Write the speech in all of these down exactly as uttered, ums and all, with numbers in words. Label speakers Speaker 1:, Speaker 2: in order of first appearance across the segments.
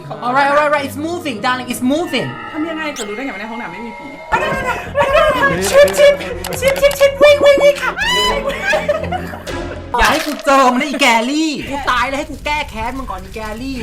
Speaker 1: alright alright alright it's moving darling it's moving
Speaker 2: ทำยังไงจะรู้ได้ไงว่าในห้องน้ำไม่มีผี
Speaker 1: ชิปชิปชิปชิปชิปวิ่งวิ่งวิ่งค่ะอย่าให้กูเจอมันนะอีแกลี่กูตายแล้วให้กูแก้แค้นมึงก่อนอีแกลี่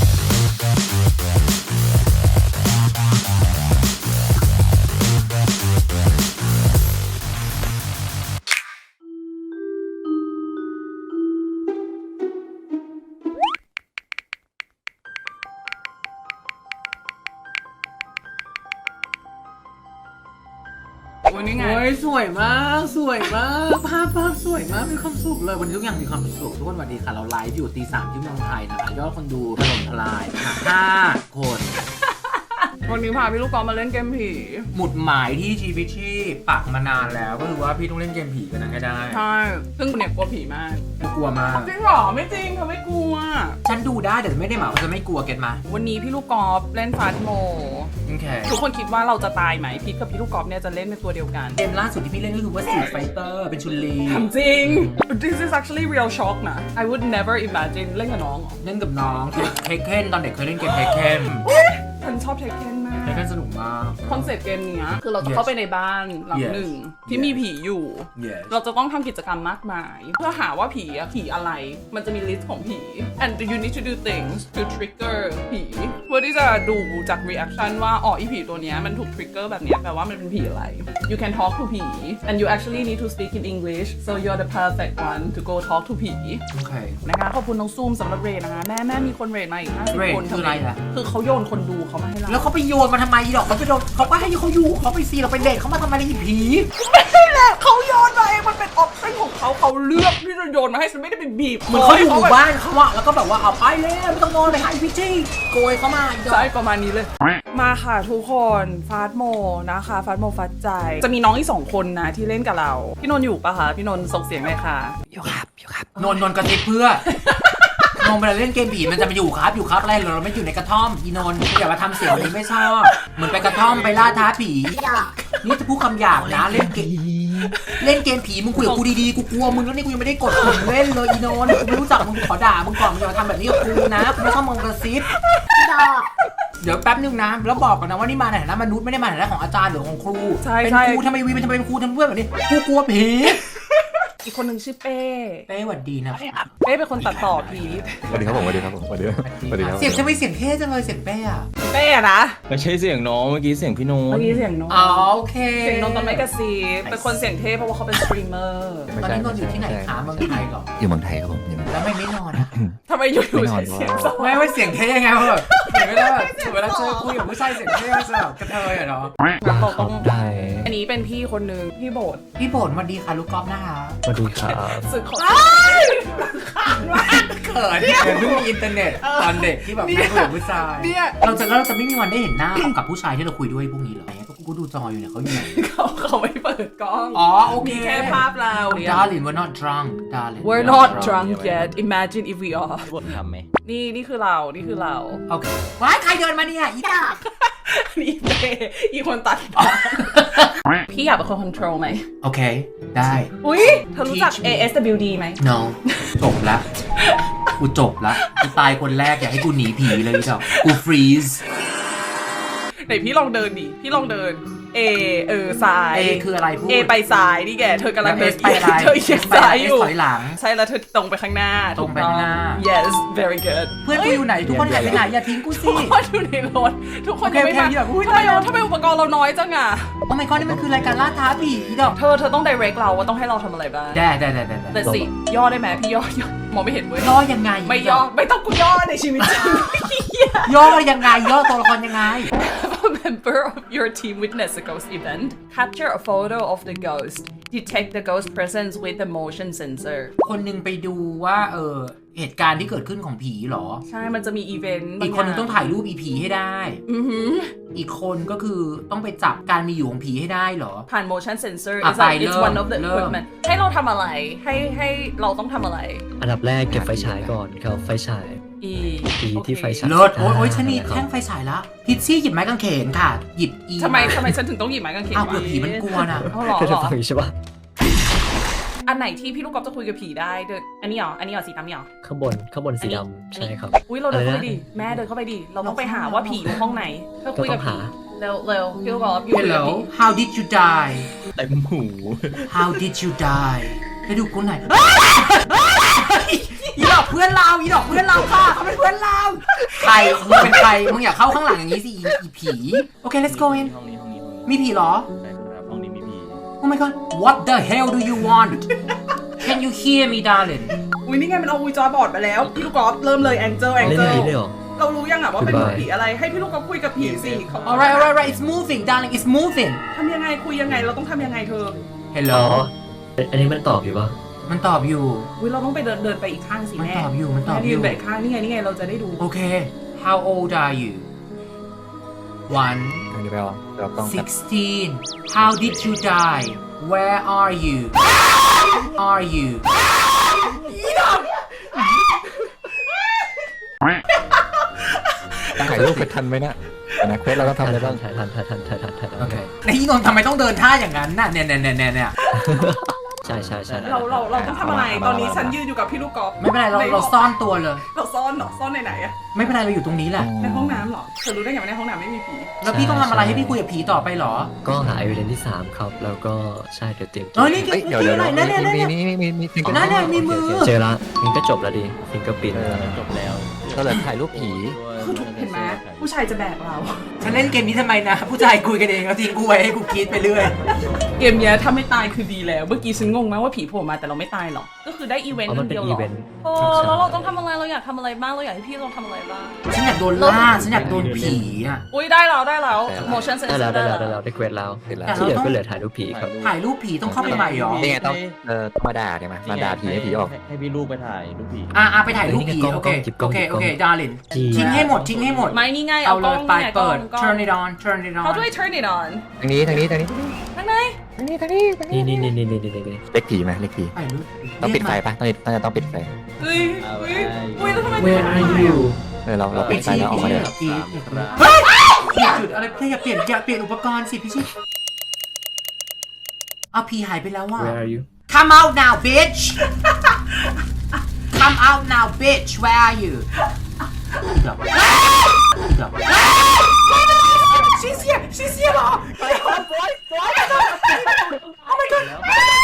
Speaker 2: วันนี้ไง
Speaker 1: โอ้ยสวยมากสวยมากภาพภาพสวยมากมีความสุขเลยวันนี้ทุกอย่างมีความสุขทุกคนสวัสดีค่ะเราไลฟ์อยู่ตีสามที่เมืองไทยนะคะยอดคนดูถล่มทลายนะคะห้าคน
Speaker 2: วันนี้พาพี่ลูกกอล์ฟมาเล่นเกมผี
Speaker 1: หมุดหมายที่ชีวิตที่ปักมานานแล้วก็คือว่าพี่ต้องเล่นเกมผีกันนะให้ได้
Speaker 2: ใช่ซึ่งคุณเนี่ยกลัวผีมาก
Speaker 1: กลัวมาก
Speaker 2: จริงหรอไม่จริงเขาไม่กลัว
Speaker 1: ฉันดูได้แต่ไม่ได้หมายว่าจะไม่กลัวเก็ตมา
Speaker 2: วันนี้พี่ลูกกอล์ฟเล่นฟาสโม
Speaker 1: โอเค
Speaker 2: ทุกคนคิดว่าเราจะตายไหมพีทกับพี่ลูกกอล์ฟเนี่ยจะเล่นเป็นตัวเดียวกัน
Speaker 1: เกมล่าสุดที่พี่เล่นก็คือว่า Street Fighter เป็นชุนลี
Speaker 2: จริง This is actually real shock นะ I would never imagine เล่นกับน้อง
Speaker 1: เล่นกับน้องเทคเคนตอนเด็กเคยเล่นเกมเทคเคน
Speaker 2: ฉันชอบเทคเคนมาก
Speaker 1: เทคเคนสนุกมาก
Speaker 2: คอนเซ็ปต์เกมนี้คือเราจะเข้าไปในบ้านหลังหนึ่งที่มีผีอยู่เราจะต้องทำกิจกรรมมากมายเพื่อหาว่าผีอะผีอะไรมันจะมีลิสต์ของผี and you need to do things to trigger ผีเพื่อที่จะดูจาก reaction ว่าอ๋ออีผีตัวเนี้ยมันถูก trigger แบบเนี้ยแปลว่ามันเป็นผีอะไร you can talk to ผี and you actually need to speak in English so you're the perfect one to go talk to ผี
Speaker 1: โอเค
Speaker 2: นะคะขอบคุณน้องซูมสำหรับเรทนะคะแม่แม่มีคนเรทมาอีกห้าสิบคน
Speaker 1: คืออะไรล่ะ
Speaker 2: คือเขาโยนคนดูเขามาให้เรา
Speaker 1: แล้วเขาไปโยนมาทำไมดอกเขาไปโดนเขาก็ให้เขาอยู่เขาไปซีเราไปเด็กเขามาทำอะไรอีผี
Speaker 2: ไม่ใช่แหละเขาโยนมาเองมันเป็นออปชั่นของเขาเขาเลือกที่จะโยนมาให้ฉันไม่ได้เป็นบีบ
Speaker 1: เหมือนเขาอยู่หมู่บ้านเขาอะแล้วก็แบบว่าเอาไปเลยไม่ต้องนอนไปหาพิชชี่โกยเขามา
Speaker 2: ใช่ประมาณนี้เลยมาค่ะทุกคนฟาสโมนะคะฟาสโมฟัดใจจะมีน้องอีกสองคนนะที่เล่นกับเราพี่นนท์อยู่ปะคะพี่นนท์ส่งเสียงเลยค่ะ
Speaker 1: อยู่ครับอยู่ครับนนท์นนท์กระติบเพื่อนนท์เวลาเล่นเกมผีมันจะมาอยู่ครับอยู่ครับอะไรเราไม่อยู่ในกระท่อมอีนนท์อย่ามาทำเสียงนี้ไม่ชอบเหมือนไปกระท่อมไปล่าท้าผีนี่จะพูดคำหยาบนะเล่นเกมเล่นเกมผีมึงคุยกับกูดีๆกูกลัวมึงแล้วนี่กูยังไม่ได้กดปุ่มเล่นเลยอีนนท์กูไม่รู้จักมึงขอด่ามึงก่อนมึงอย่ามาทำแบบนี้กับกูนะกูไม่ต้องมองกระซิบเดี๋ยวแป๊บนึงนะแล้วบอกก่อนนะว่านี่มาในฐานะมนุษย์ไม่ได้มาในฐานะของอาจารย์หรือของครูเป็นครูทำไมวีเป็นทำไมเป็นครูทำเพื่อนแบบนี้กูกลัวผี
Speaker 2: อีกคนหนึ่งชื่อเป้
Speaker 1: เป้หวัดดีนะ
Speaker 2: เป้เป็นคนตัดต่อผี
Speaker 3: สวัสดีครับผมสวัสดีครับผมสวัสดีสวัสดีครับ
Speaker 1: เสียงจะไม่เสียงเท่จังเลยเสียงเป้อะ
Speaker 2: เป้อะนะ
Speaker 3: ไม่ใช่เสียงน้องเมื่อกี้เสียงพี่โน้ต
Speaker 2: เมื่อกี้เสียงน้อง
Speaker 1: อ๋อโอเค
Speaker 2: เสียงน้องตอนไม่กระซีเป็นคนเสียงเท่เพราะว่าเขาเป็นสตรีมเมอร์
Speaker 1: ตอนนี้นอนอยู่ที่ไหนคะเมืองไทยหรอ
Speaker 3: อยู่เมืองไทยครับผม
Speaker 1: แล้วไม่ไม่นอนอะ
Speaker 2: ทำไมอยู่อยู่เสียงส
Speaker 1: ไม่ไม่เสียงเท่ไงเพราะแบบเสียงไม่ได้แบบเวลาเจอคุยกับผู้ชายเสียงเท่จะแบบกระเทยอะเนาะ
Speaker 2: ต้องได้อันนี้เป็นพี่คนนึงพี่โบด
Speaker 1: พี่โบดสวัสดีค่ะลูกกอล์ฟนะคะ
Speaker 3: สวัสดีครับ
Speaker 2: สึกของ
Speaker 1: เขินเนี่ยเพิ่งมีอินเทอร์เน็ตตอนเด็กที่แบบไม่คุยกับผู้ชายเราจะเราจะไม่มีวันได้เห็นหน้ากับผู้ชายที่เราคุยด้วยพวกนี้หรอก็กูดูจออยู่เนี่ยเขาอยู่ไหน
Speaker 2: เขาเขาไม่เปิดกล้อง
Speaker 1: อ๋อโอเค
Speaker 2: แค่ภาพเรา
Speaker 1: Darling we're not drunk Darling
Speaker 2: we're not drunk yet imagine if we are
Speaker 3: ทำไหม
Speaker 2: นี่นี่คือเรานี่คือเรา
Speaker 1: โอเคว้ายใครเดินมาเนี่ยอีดา
Speaker 2: นี่เป้อีคนตัดพี่อยากเป็นคน control ไหม
Speaker 1: โอเคได้
Speaker 2: อุ้ยเธอรู้จัก เอ เอส ดับเบิลยู ดี ไหม
Speaker 1: no จบละกูจบละกูตายคนแรกอยากให้กูหนีผีเลยจ้ะกูฟรีซ
Speaker 2: ไหนพี่ลองเดินดิพี่ลองเดิน A เออซ้าย
Speaker 1: A คืออะไรพูด
Speaker 2: A ไปซ้ายนี่แกเธอกำลัง
Speaker 1: เดินไปซ้าย
Speaker 2: เธอเอียงซ้ายอยู่
Speaker 1: ถอยหลัง
Speaker 2: ใช่แล้วเธอตรงไปข้างหน้า
Speaker 1: ตรงไปข้างหน้า
Speaker 2: yes very good
Speaker 1: เพื่อนกูอยู่ไหนทุกคนหายไปไหนอย่าทิ้งกูสิ
Speaker 2: ทุกคนอยู่ในรถทุกคนยังไม่มาทำไมทำไมอุปกรณ์เราน้อยจังอ่ะ
Speaker 1: โอ้ my god นี่มันคือรายการล่าท้าผีดอก
Speaker 2: เธอเธอต้อง direct เราว่าต้องให้เราทำอะไรบ้าง
Speaker 1: ได้ได้ได้ได้
Speaker 2: แต่สิย่อได้ไหมพี่ย่อย่อมองไม่เห็นเว้ย
Speaker 1: ย่อยังไง
Speaker 2: ไม่ย่อไม่ต้องกูย่อในชีวิตจริง
Speaker 1: ย่อยังไงย่อตัวละครยังไง
Speaker 2: A member of your team witness a ghost event. Capture a photo of the ghost. Detect the ghost presence with the motion sensor.
Speaker 1: คนนึงไปดูว่าเออเหตุการณ์ที่เกิดขึ้นของผีหรอ
Speaker 2: ใช่มันจะมีอีเวนต์
Speaker 1: อีกคนนึงต้องถ่ายรูปอีผีให้ได้
Speaker 2: อือหือ
Speaker 1: อีกคนก็คือต้องไปจับการมีอยู่ของผีให้ได้หรอ
Speaker 2: ผ่าน motion sensor it's like it's one of the equipment ให้เราทำอะไรให้ให้เราต้องทำอะไร
Speaker 3: อันดับแรกเก็บไฟฉายก่อนครับไฟฉาย
Speaker 2: อี
Speaker 3: อีที่ไฟฉาย
Speaker 1: เลิศโอ้ยชนีแท่งไฟฉายละพิชชี่หยิบไม้กางเขนค่ะหยิบอี
Speaker 2: ทำไมทำไมฉันถึงต้องหยิบไม้กางเขน
Speaker 1: อ้าวเผื่อผีมันกลัวนะ
Speaker 2: เอาหรอ
Speaker 3: ใช่ปะ
Speaker 2: อันไหนที่พี่ลูกกอล์ฟจะคุยกับผีได้เดินอันนี้เหรออันนี้เหรอสีดำนี่เหรอ
Speaker 3: ข้างบนข้างบนสีดำใช่ครับ
Speaker 2: อุ้ยเราเดินเข้าไป
Speaker 3: อะไรนะ
Speaker 2: ดิแม่เดินเข้าไปดิเราต้องไปหาว่าผีอยู่ห้องไหนเพื่อคุยกับ
Speaker 3: ก็ต้อง
Speaker 2: ผี
Speaker 3: หา
Speaker 2: เร็วเร็วพี่ลูกกอล์ฟอยู่กับ
Speaker 1: Hello
Speaker 2: ผี
Speaker 1: how did you die
Speaker 4: เต็มหู
Speaker 1: how did you die ให้ดูคนไหนอีดอกเพื่อนเราอีดอกเพื่อนเราค่ะเขาเป็นเพื่อนเราใครมึงเป็นใครมึงอย่าเข้าข้างหลังอย่างนี้สิอีอีผีโอเค let's go in
Speaker 4: ห้องนี้ห้องนี้ห้องนี้
Speaker 1: มีผีเหรอ
Speaker 4: ใช่ครับห้องนี้มีผี
Speaker 1: Oh my god what the hell do you want Can you hear me darling
Speaker 2: อุ้ยนี่ไงมันเอาอุยจอยบอร์ดมาแล้วพี่ลูกกอล์ฟเริ่มเลยแองเจิลแอง
Speaker 3: เล่น
Speaker 2: เจิ
Speaker 3: ผี
Speaker 2: ล
Speaker 3: เลยเหรอ
Speaker 2: เรารู้ยังอะว่าเป็น
Speaker 3: Goodbye
Speaker 2: ผีอะไรให้พี่ลูกกอล์ฟคุยกับผีสิเขา
Speaker 1: alright alright alright it's moving darling it's moving
Speaker 2: ทำยังไงคุยยังไงเราต้องทำยังไงเธอ
Speaker 1: Hello
Speaker 3: อ๋ออันนี้มันตอบอยู่ปะ
Speaker 1: มันตอบอยู่
Speaker 2: อุ้ยเราต้องไปเดินเดินไปอีกข้างสิ
Speaker 1: มัน
Speaker 2: แม่
Speaker 1: ตอบอยู่มันตอบ
Speaker 2: แม่
Speaker 1: อ
Speaker 2: ยื
Speaker 1: ยู่
Speaker 2: นไปอีกข้างนี่ไงนี่ไงเราจะได้ดู
Speaker 1: โอเค How old are you one
Speaker 5: อันนี้ไปเอาเราต้องแบบ
Speaker 1: sixteen How did you die Where are you Are you
Speaker 5: ถ่ายรูปไปทันไหมเนะแต่นะเควสเราต้องทำอะไรบ้าง
Speaker 3: ทันทันทันทันทันทันทัน
Speaker 1: โอเคไอ้นนท์ทำไมต้องเดินท่าอย่างนั้นน่ะเนี่ยเนี่ยเนี่ยเนี่ยเนี่ย
Speaker 3: ใช่ใช่ใช่
Speaker 2: เราเราเราต้องทำอะไรตอนนี้ฉันยืนอยู่กับพี่ลูกกอล์ฟ
Speaker 1: ไม่เป็นไรเราเราซ่อนตัวเลย
Speaker 2: เราซ่อนเหรอซ่อนในไหนอะ
Speaker 1: ไม่เป็นไรเราอยู่ตรงนี้แหละ
Speaker 2: ในห้องน้ำเหรอเธอรู้ได้ไงว่าในห้องน้ำไม่มีผี
Speaker 1: แล้วพี่ต้องทำอะไรให้พี่คุยกับผีต่อไปเหรอ
Speaker 3: ก็หา evidence ที่สามครับ แล้วก็ใช่เดี๋ยวเตรียม
Speaker 1: เออนี่
Speaker 5: เอ้ยเดี๋ยวเดี๋ยว
Speaker 1: ไหนนั่นเนี่ยนั่น
Speaker 5: มี
Speaker 1: เนี่ย
Speaker 5: มีมีมีมี
Speaker 1: นั่นเนี่ยมีมือ
Speaker 3: เจอละมันก็จบแล้วดิฟิงเกอร์ปิน
Speaker 4: จบแล้ว
Speaker 5: ก็เลยถ่ายรูปผี
Speaker 2: คือถูกเห็นไหมผู้ชายจะแบกเรา
Speaker 1: ฉันเล่นเกมนี้ทำไมนะ ผู้ชายคุยกันเองแล้วทิ้งกูไว้ให้กูคิดไปเรื่อย
Speaker 2: เกมเนี้ยถ้าไม่ตายคือดีแล้ว เมื่อกี้ฉันงงมากว่าผีโผล่มาแต่เราไม่ตายหรอกก็คือได้อีเวนต์
Speaker 3: อ๋อมัน
Speaker 2: เดี
Speaker 3: เป็น
Speaker 2: ยวหร
Speaker 3: อี
Speaker 2: อ
Speaker 3: เวนต์
Speaker 2: โอ้แล้วเราต้องทำอะไรเราอยากทำอะไรบ้างเราอยากให้พี่ลองทำอะไรบ้าง
Speaker 1: ฉันอยากโดนล่าฉันอยากโดนผีอ่ะ
Speaker 2: อุ้ยได้แล้วได้แล้ว motion
Speaker 3: ได้
Speaker 2: sensor
Speaker 3: แล้วได้
Speaker 2: ได้
Speaker 3: แล้วได้
Speaker 2: แล้
Speaker 3: แล้ว วได้เควสแล้ว
Speaker 5: เสร็จแล้ว
Speaker 3: ที่เหลือก็เหลือถ่ายรูปผีครับ
Speaker 1: ถ่ายรูปผีต้องเข้าไปใหม่เหรอ
Speaker 5: นี่ไงต้องเออต้องมาด่าใช่ไหมมาด่าผีให้ผีออก
Speaker 4: ให้พี่ลูกไปถ่ายรูปผี
Speaker 1: อ่ะอ่ะไปถ่ายรูปผี
Speaker 3: เฮ้ยนี่ไงกล้อง
Speaker 1: โอเค
Speaker 3: กล้
Speaker 1: โอ
Speaker 3: อง
Speaker 1: เค
Speaker 3: หยิบกล้
Speaker 1: โอ
Speaker 3: อง
Speaker 1: เคดาริน
Speaker 3: จริง
Speaker 1: ทิ้งให้หมดทิ้งให้หมด
Speaker 2: ไม่นี่ไง
Speaker 1: เอา
Speaker 2: เอา
Speaker 1: เล
Speaker 2: กล้อย ง
Speaker 1: ไป
Speaker 2: นี่ไงกล้
Speaker 1: เปิ
Speaker 2: อ
Speaker 1: ด
Speaker 2: งกล้อง
Speaker 1: turn it on turn it on
Speaker 2: How do I turn it on
Speaker 5: ทางนี้ทางนี้ทางนี้
Speaker 2: ทางไหน
Speaker 5: ทางนี้ทางนี้ทางนี้
Speaker 3: นี่นี่นี่นี่นี่นี่นี่
Speaker 5: เล็กผีไหมเล็กผี
Speaker 1: ถ่ายรูป
Speaker 5: ต้องปิดไฟปะต้องปิดต้องต้องปิดไฟ
Speaker 2: เฮ้ยเฮ้ยเฮ้ยแล้วทำไม
Speaker 3: Where are you
Speaker 5: เออเราเราปิดไฟแล้วออกมาเลย
Speaker 1: ผีเปลี่ยนจุดอะไรอย่าเปลี่ยนอย่าเปลี่ยนอุปกรณ์สิพี่ชิเอาผีหายไปแล้วว่ะ
Speaker 3: Where are you
Speaker 1: Come out now bitch Come out now bitch Where are you อีดอกอีดอก She's here She's here เหรอ Oh my god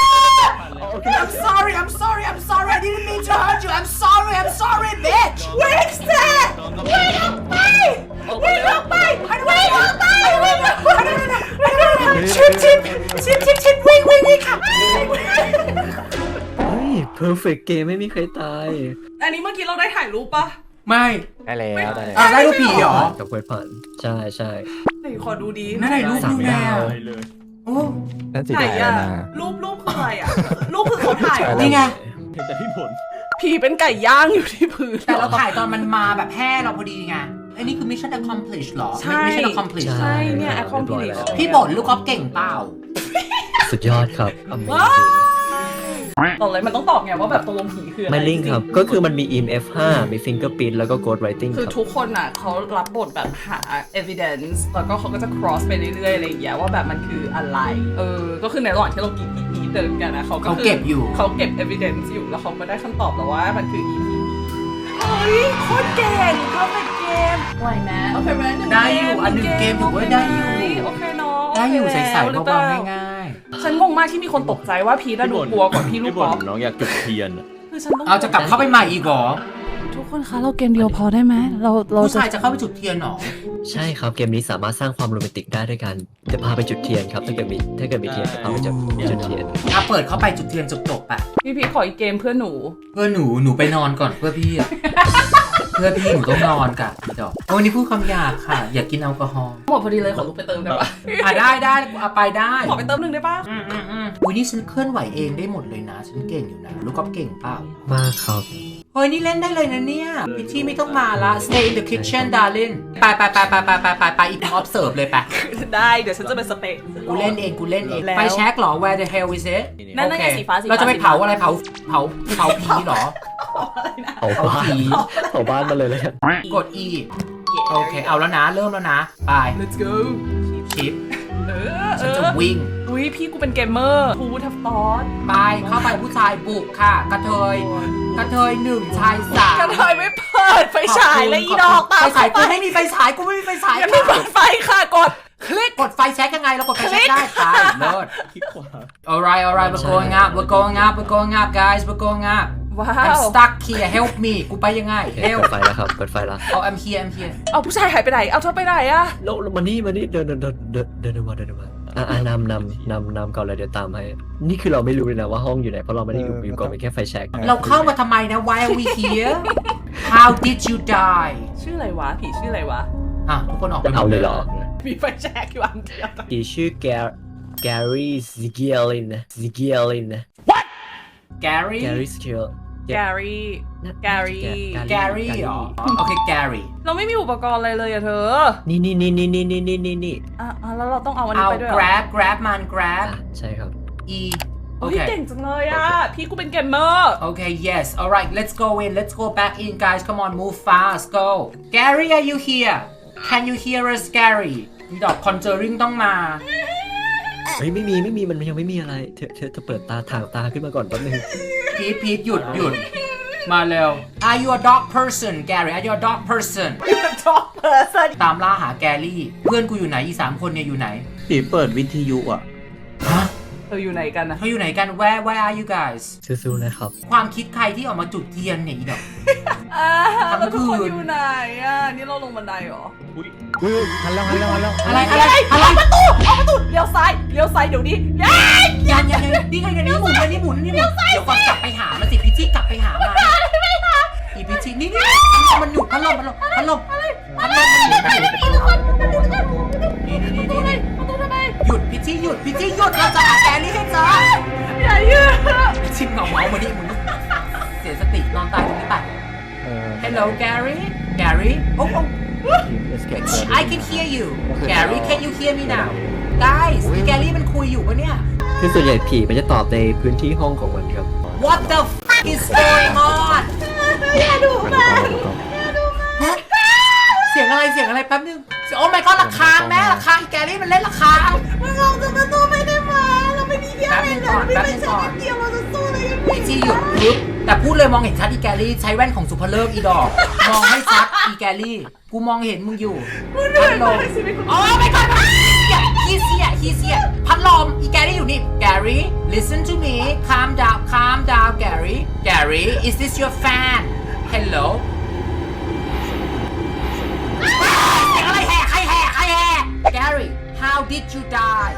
Speaker 1: I'm sorry I'm sorry I'm sorry I didn't mean to hurt you I'm sorry I'm sorry bitch วิ่งเสร็จวิ่งออกไปวิ่งออกไปวิ่งออกไปวิ่งออกไปชิปชิปชิปชิปชิปวิ่งวิ่งวิ่งค่ะ
Speaker 3: เฮ้ย perfect game ไม่มีใครตาย
Speaker 2: อันนี้เมื่อกี้เราได้ถ่ายรูปปะ
Speaker 1: ไม่
Speaker 5: ได้แล้วได้แล้ว
Speaker 1: อ่ะได้รูปผีเหรอ
Speaker 3: กับเควสผ่านใช่ใช่
Speaker 2: ไหนขอดูดี
Speaker 1: นั่นไหนรูป
Speaker 3: สาม
Speaker 1: ดูแล
Speaker 3: ดาว
Speaker 4: เลย
Speaker 1: โอ้
Speaker 5: นั่นสิ
Speaker 2: ไหน
Speaker 5: ถ่าย
Speaker 2: อะ
Speaker 5: มา
Speaker 2: รูปรูปคืออะไรอะรูปคือเขาถ่ายเหรอ
Speaker 1: นี่ไง
Speaker 4: เห็นแต่พี่ผล
Speaker 2: ผีเป็นไก่ย่างอยู่ที่พื้น
Speaker 1: แต่เราถ่ายตอนมันมาแบบแห่เราพอดีไงไอ้นี่คือ mission accomplished หรอ
Speaker 2: ใช่
Speaker 1: mission accomplished
Speaker 2: ใช่เนี่ย
Speaker 3: ครับ
Speaker 2: accomplish
Speaker 3: เรียบร้อยแล้ว
Speaker 1: พี่บ่นลูกกอล์ฟเก่งเปล่า
Speaker 3: สุดยอดครับ amazing
Speaker 2: ตอนเลยมันต้องตอบไงว่าแบบตกลงผีคืออะไร
Speaker 3: ไม่ลิงก์ครับ ก็คือมันมี อี เอ็ม เอฟ ห้า มี fingerprint แล้วก็ ghost writing
Speaker 2: คือ
Speaker 3: ครับ
Speaker 2: ทุกคนอ่ะเขารับบทแบบหา evidence แล้วก็เขาก็จะ cross ไปเรื่อยๆอะไรอย่างเงี้ยว่าแบบมันคืออะไรเออก็คือในระหว่างที่เรากีกีกีเดินกันนะเขาก็
Speaker 1: เขา
Speaker 2: คือ
Speaker 1: เก็บอยู่
Speaker 2: เขาเก็บ evidence อยู่แล้วเขาก็ได้คำตอบแล้วว่ามันคือ อี พี เฮ้ยโคตรเก่งเขาเป็นเกมไหวไหมโอเคไหมหนึ่ง
Speaker 1: ได้อยู่อันหนึ่งเกมถือว่าได้อยู่
Speaker 2: โอเคเนาะ
Speaker 1: ได้อยู่
Speaker 2: โเค
Speaker 1: ใส่
Speaker 2: แล้ว
Speaker 1: ๆเบาๆง่าย
Speaker 2: ฉันงงมากที่มีคนตกใจว่าพีทอะดูกลัวกว่าพี่ลูก
Speaker 4: บ่
Speaker 2: ก
Speaker 4: น
Speaker 2: อล์ฟ
Speaker 4: น้องอยากจุดเทียนอะ
Speaker 2: คือฉันต้อง
Speaker 1: ๆเอาจะกลับเข้าไปใหม่อีกเหรอ
Speaker 2: ทุกคนคะเราเกมเดียวพอได้ไหมเราเรา
Speaker 1: ผู้ชายจะเข้าไปจุดเทียนเหรอ
Speaker 3: ใช่ครับ เกมนี้สามารถสร้างความโรแมนติกได้ด้วยกันจะพาไปจุดเทียนครับ ถ้าเกิดมีถ้าเกิดมีเทียนจะพาไปจุดจุดเทียน
Speaker 1: อ่ะเปิดเข้าไปจุดเทียนจบๆไป
Speaker 2: พี่พีทขออีกเกมเพื่อหนู
Speaker 1: เพื่อหนูหนูไปนอนก่อนเพื่อพี่อะ เพื่อพี่หนูต้องนอนกับพี่ดอกโอ้วันนี้พูดคำหยาบค่ะ อย่ากินแอลกอฮอล์
Speaker 2: หมดพอดีเลยขอลุกไปเติมได้ปะ
Speaker 1: อ่ะได้ได้เอาไปได้
Speaker 2: ขอไปเติมหนึ่งได้ปะ
Speaker 1: อืมอืมอืมอุ้ยนี่ฉันเคลื่อนไหวเองได้หมดเลยนะ ฉันเก่งอยู่นะ ลูกกอล์ฟเก่งเปล่า
Speaker 3: มากครับ
Speaker 1: เฮ้ยนี่เล่นได้เลยนะเนี่ยพิธีไม่ต้องมาละ stay in the kitchen darling ไปไปไปไปไปไปไปไปอีก observe เลยไป
Speaker 2: ได้เดี๋ยวฉันจะเป็นสเปก
Speaker 1: กูเล่นเองกูเล่นเอง
Speaker 2: แล้ว
Speaker 1: ไปเช็คเหรอ where the hell is it
Speaker 2: นั่นนั่นไง
Speaker 1: โอเค
Speaker 2: สีฟ้าสีฟ้า
Speaker 1: เราจะไปเผาอะไรเผาเผาเผาผีเหรอ
Speaker 3: เผาบ้าน
Speaker 1: ผี
Speaker 3: เผาบ้านมาเลยเลย
Speaker 1: กด E โอเคเอาแล้วนะเริ่มแล้วนะไป
Speaker 2: let's go
Speaker 1: ชิป
Speaker 2: เออเอ
Speaker 1: ฉันจะ
Speaker 2: อ
Speaker 1: วิ่ง
Speaker 2: อุ้ยพี่กูเป็นเกมเมอร์กูทับตอน
Speaker 1: ไปเข้าไปผู้ชายบุกค่ะ กระเทยกระเทยหนึ่งชายสาม
Speaker 2: กระเทยไม่เปิดไฟฉายเลยอีดอกตาม
Speaker 1: ไฟฉายกู
Speaker 2: เข้าไป
Speaker 1: ไม่มีไฟฉายกูไม่มีไฟฉาย
Speaker 2: ยังไม่เปิดไฟค่ะกดคลิก
Speaker 1: กดไฟแช็กยังไงเรากดไฟแช็กได้ค่ะเลิศ
Speaker 4: คิดขวา
Speaker 1: alright alright we're going up we're going up we're going up guys we're going up
Speaker 2: ว้า
Speaker 1: I'm
Speaker 2: ว
Speaker 1: stuck here help me กูไปยังไง
Speaker 3: เปิ
Speaker 1: help
Speaker 3: ดไฟแล้วครับเปิดไฟแล้ว
Speaker 1: oh I'm here I'm here
Speaker 2: เอาผู้ชายหายไปไหนเอาเธอไปไหนอะ
Speaker 3: แล้วแล้วมานี่มานี่เดินเดินเดินเดินเดินมาเดินมาอ่ะอ่ะนำนำนำนำก่อนเลยเดี๋ยวตามให้นี่คือเราไม่รู้เลยนะว่าห้องอยู่ไหนเพราะเราไม่ได้อยู่อยู่ก่อนเป็นแค่ไฟแช็ก
Speaker 1: เราเข้ามาทำไมนะ why are we here how did you die
Speaker 2: ชื่ออะไรวะผีชื่ออะไรวะ
Speaker 1: อ่ะทุกคนออกไป
Speaker 3: เอาเลยเหรอ
Speaker 2: มีไฟแช็กอยู่อันเดียว
Speaker 3: ผีชื่อแกแกรี่ซิเกียลินซิเกียลิน
Speaker 1: Gary
Speaker 3: แกรี่ซิเกีย
Speaker 2: แกรี่แกรี่
Speaker 1: Gary เหรอโอเค Gary
Speaker 2: เราไม่มีอุปกรณ์อะไรเลยอะเธอ
Speaker 3: นี่นี่นี่นี่นี่นี่นี่นี่นี่
Speaker 2: อ่ะอ่ะแล้วเราต้องเอาอันนี้
Speaker 1: เอา
Speaker 2: ไปด้วยเหรอ
Speaker 1: grab grab มัน grab
Speaker 3: อ่ะใช่ครับ
Speaker 1: e โอ
Speaker 2: โอ้ย
Speaker 1: เค
Speaker 2: เก่งจังเลยอะพี่กูเป็นเกมเมอร์
Speaker 1: Okay, yes. All right, let's go in. Let's go back in, guys. Come on, move fast. Go. Gary, are you here? Can you hear us, Gary? ดอก Conjuring ต้องมา
Speaker 3: เฮ้ยไม่มีไม่มีมันยังไม่มีอะไรเธอเธอเธอเปิดตาถางตาขึ้นมาก่อนแป๊บนึง
Speaker 1: พีทพีทหยุดหยุด มาเร็ว Are you a dog person, Gary? Are you a dog person?
Speaker 2: ชอบเพอร์ซัน
Speaker 1: ตามล่าหาแกรี่ เพื่อนกูอยู่ไหนอีสามคนเนี่ยอยู่ไหน
Speaker 4: ผีเปิดวิทยุอ่ะ
Speaker 1: ฮะ
Speaker 2: เธออยู่ไหนกันนะ
Speaker 1: เขาอยู่ไหนกัน Where Where are you guys?
Speaker 3: สู้ๆนะครับ
Speaker 1: ความคิดใครที่ออกมาจุดเทียนเนี่ยอีดอก
Speaker 2: อ่า
Speaker 1: ทำ
Speaker 2: แล้วทุกคน
Speaker 1: คืน
Speaker 2: อยู่ไหนอ่ะนี่เราลงบันไดเหรอ
Speaker 4: อุ้ย
Speaker 5: เฮ้ยหันแล้วหันแล้วหันแล้ว
Speaker 1: อะไรอะไรอะไร
Speaker 2: ออกประตูออกประตูเลี้ยวซ้ายเลี้ยวซ้ายเดี๋ยวนี้ย้าย
Speaker 1: ยันยันยันนี่ไงนี่หมุนนี่หมุนนี่หมุนเดี๋ยวก่อนกลับไปหามันสิพิชชี่กลับไปหามันอีพิชชี่นี่นี่มันหยุดพัดลมพัดลมพัดลมพัดลมนี่นี่นี่นี่
Speaker 2: ประตูทำไม
Speaker 1: หยุดพิชชี่หยุดพิชชี่หยุดเราจะหาแกรี่ให้เจอ
Speaker 2: อย่ายืด
Speaker 1: พิชชี่เงาเมามาดิมึงเสียสตินอนตายตรงนี้ไป
Speaker 5: เออ
Speaker 1: Hello Gary Gary โอ้โห
Speaker 5: ทีม Escape
Speaker 1: I can hear you Gary can you hear me now guys มีแกรี่มันคุยอยู่ปะเนี่ย
Speaker 3: คือส่วนใหญ่ผีมันจะตอบในพื้นที่ห้องของมันครับ
Speaker 1: What the fuck is going on
Speaker 2: อย่าดูมัน
Speaker 1: ฮะเสียงอะไรเสียงอะไรแป๊บนึงโอ้ my god ระฆังแม่ระฆังอีแกรี่มันเล่นระฆัง
Speaker 2: มึงลองจะประตูไม่ได้มาเราไม่มีเดียว
Speaker 1: แป๊บนึงก่อนแป๊บนึงก่อน
Speaker 2: เดียวเราจะสู้เลยกัน
Speaker 1: พีจีหยุดปึ๊บแต่พูดเลยมองเห็นชัดอีแกรี่ใช้แว่นของสุภเลิกอีดอก มองไม่ชัดอีแกรี่กูมองเห็นมึงอยู่พัดลมโอ้ my god ฮีเสียฮีเสียพัดลมอีแกรี่อยู่นี่ Gary listen to me calm down calm down Gary Gary is this your fan hello เสียงอะไรแห่ใครแห่ใครแห่ Gary how did you die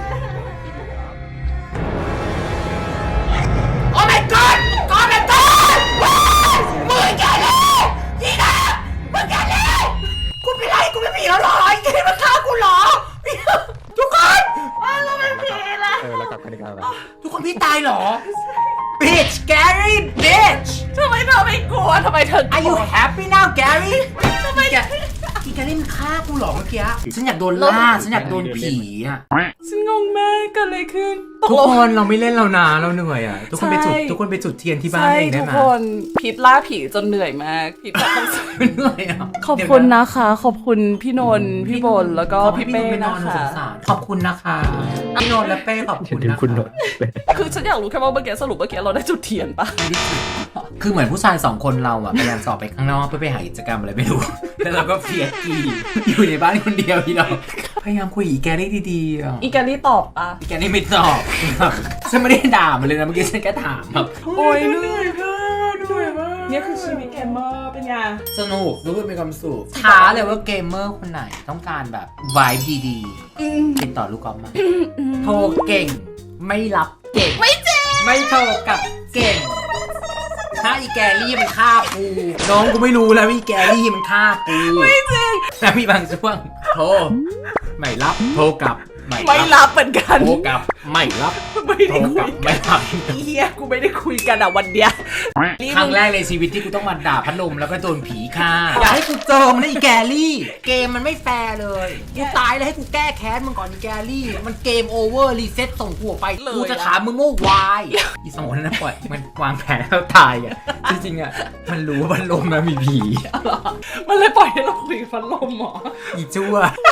Speaker 1: Oh my god Oh my god มึงแกเลยพี่นะมึงแกเลยกูเป็นไรกูไม่ผีแล้วหรอไอ้แกมันฆ่ากูหรอทุกคนเราเป็นผีแล้ว
Speaker 5: เออแล้วกลับกันดีกว่า
Speaker 1: ทุกคนพี่ตายหรอ Bitch Gary Bitch
Speaker 2: ทำไมเธอไม่กลัวทำไมเธอ
Speaker 1: Are you happy now Gary ทำไมแกอีแกเล่นฆ่ากูหรอเมื่อกี้ฉันอยากโดนล่าฉันอยากโดนผีอ่ะ
Speaker 2: ฉันงงมากเกิดอะไรขึ้น
Speaker 1: ทุกคนเราไม่เล่นแล้วนะเราเหนื่อยอ่ะทุกคนไปจุด
Speaker 2: ใช่
Speaker 1: ทุกคนไปจุดเทียนที่บ้าน
Speaker 2: ใช่
Speaker 1: เองได้
Speaker 2: ทุก
Speaker 1: ไหม
Speaker 2: คนพิษล่าผีจนเหนื่อยมากพิษแบบต้อง
Speaker 1: เหนื่อยอ่ะ
Speaker 2: ขอบคุณนะคะ ขอบคุณพี่นนท์พี่บนแล้วก็พี่เป้นะคะ
Speaker 1: ขอบคุณนะคะพี่นนท์และเป้ขอบคุณ
Speaker 3: ถึง
Speaker 1: นะ
Speaker 3: คุณหน
Speaker 1: คะ
Speaker 3: ด
Speaker 2: คือฉันอยากรู้แค่ว่าเมื่อกี้สรุปเมื่อกี้เราได้จุดเทียนปะ
Speaker 1: คือเหมือนผู้ชายสองคนเราอ่ะพยายามสอบไปข้างนอกเพื่อไปหากิจกรรมอะไรไม่รู้ แล้วเราก็เพียกีอยู่ในบ้านคนเดียวพี่น้องพยายามคุยอีแกรี่ดีๆอ่ะ
Speaker 2: อีแกนี่ตอบปะ
Speaker 1: อีแกรี่ไม่ตอบฉันไม่ได้ด่ามันเลยนะเมื่อกี้ฉันแค่ถามแบบ
Speaker 2: โอ้ยเหนื่อยมากเหนื่อยมากเนี่ยคือชีวิตเกมเมอร์เป็นไง
Speaker 1: สนุกรู้สึกมีความสุขท้าเลยว่าเกมเมอร์คนไหนต้องการแบบวายดีๆติดต่อลูกกอล์ฟมาโทรเก่งไม่รับเก่งไม่จริงไม่โทรกลับเก่งถ้าอีแกรี่มันฆ่ากูน้องกูไม่รู้แล้วอีแกรี่มันฆ่ากูไม่จริงแล้วมีบางช่วงโทรไม่รับโทรกลับ
Speaker 2: ไม่รับเหมือนกัน
Speaker 1: โทรกลับไม่รับ
Speaker 2: ไม่
Speaker 1: โทร
Speaker 2: ได้
Speaker 1: ก
Speaker 2: คุ
Speaker 1: ลับ
Speaker 2: ย
Speaker 1: ไม่รับ
Speaker 2: เฮียกูไม่ได้คุยกันอะวันเดียว
Speaker 1: ครั้งแรกในชีวิตที่กูต้องมาด่าพัดลมแล้วก็โดนผีฆ่าอย่าให้กูเจอมันนะอีแกรี่เกมมันไม่แฟร์เลยกูตายแล้วให้กูแก้แค้นมึงก่อนอีแกรี่มันเกมโอเวอร์รีเซ็ตส่งกูออกไปกูจะถามมึงว่าวายอีสมองนั้นนะปล่อยมันวางแผนแล้วตายอ่ะจริงๆอ่ะมันรู้ว่าพัดลมมันมีผี
Speaker 2: มันเลยปล่อยให้เราคุยกับพัดลมหมอ
Speaker 1: อีชั่ว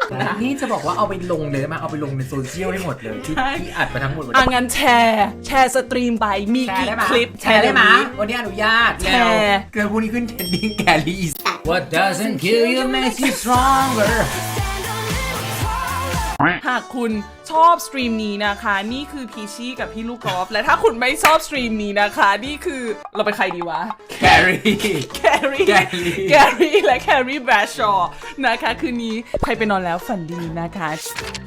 Speaker 1: นี่จะบอกว่าเอาไปลงเลยมาเอาไปลงในโซเชียลให้หมดเลยที่
Speaker 2: ใช่
Speaker 1: ที่อัดมาทั้งหมดวัน
Speaker 2: อ่ะ
Speaker 1: นี้
Speaker 2: งั้นแชร์ แชร์สตรีมไปมี
Speaker 1: แชร์
Speaker 2: กี่
Speaker 1: ได้ไหม
Speaker 2: คลิป
Speaker 1: แชร์ได้ไหม
Speaker 2: นี้
Speaker 1: วันนี้อนุญาต
Speaker 2: แชร์
Speaker 1: เกินพวกนี้ขึ้นเทรนดิ้งแกลี่ What doesn't kill you makes you stronger
Speaker 2: หากคุณชอบสตรีมนี้นะคะ นี่คือพีชี่กับพี่ลูกกอล์ฟและถ้าคุณไม่ชอบสตรีมนี้นะคะ นี่คือเราเป็นใครดีวะ
Speaker 1: แครี่
Speaker 2: แครี่
Speaker 1: แครี่
Speaker 2: แครี่และแครี่แบรชชอว์นะคะ คืนนี้ใครไปนอนแล้วฝันดีนะคะ